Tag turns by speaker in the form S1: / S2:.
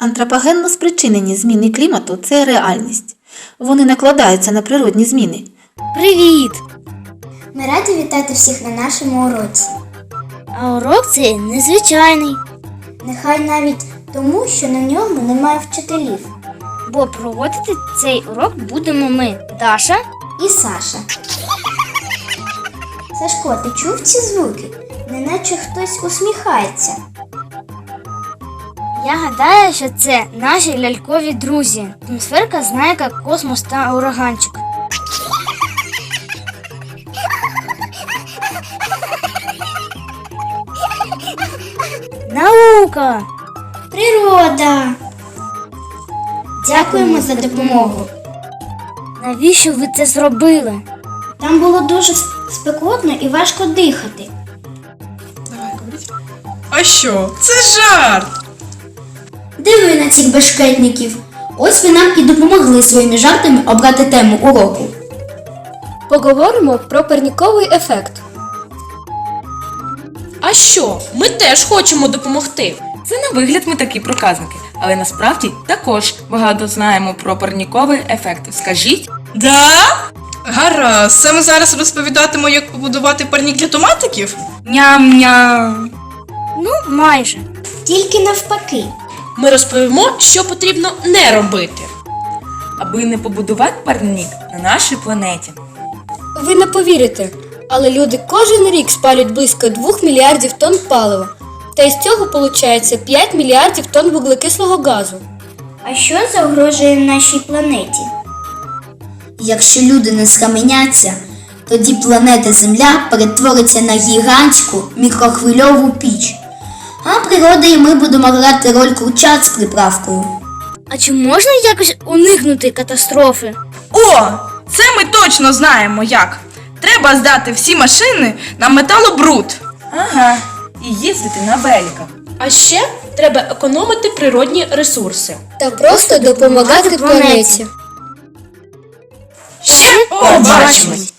S1: Антропогенно спричинені зміни клімату – це реальність. Вони накладаються на природні зміни.
S2: Привіт!
S3: Ми раді вітати всіх на нашому уроці.
S2: А урок цей незвичайний,
S3: Нехай навіть тому, що на ньому немає вчителів.
S2: бо проводити цей урок будемо ми, Даша.
S3: І Саша. Сашко, ти чув ці звуки? Неначе хтось усміхається.
S2: Я гадаю, що це наші лялькові друзі. Атмосферка знає, як космос та ураганчик. Наука!
S3: Природа! Дякуємо за допомогу.
S2: Навіщо ви це зробили?
S3: Там було дуже спекотно і важко дихати.
S4: Давай, говоріть. А що? Це жарт!
S3: Диви на цих бешкетників. Ось ви нам і допомогли своїми жартами обрати тему уроку.
S5: Поговоримо про парніковий ефект.
S6: А що? Ми теж хочемо допомогти. Це на вигляд ми такі проказники, але насправді також багато знаємо про парніковий ефект. Скажіть?
S4: Да? Гаразд, саме зараз розповідатиму, як побудувати парнік для томатиків?
S6: Ням-ням.
S2: Ну, майже.
S3: Тільки навпаки.
S6: Ми розповімо, що потрібно не робити, аби не побудувати парнік на нашій планеті.
S5: Ви не повірите, але люди кожен рік спалюють близько 2 мільярдів тонн палива. Та із цього виходить 5 мільярдів тонн вуглекислого газу.
S3: А що загрожує нашій планеті? Якщо люди не схаменяться, тоді планета Земля перетвориться на гігантську мікрохвильову піч. А природа і ми будемо грати роль курчат з приправкою.
S2: А чи можна якось уникнути катастрофи?
S4: О! Це ми точно знаємо як. Треба здати всі машини на металобруд.
S6: Ага, і їздити на великах. А ще треба економити природні ресурси.
S5: Та просто допомагати планеті.
S4: Ще побачимось!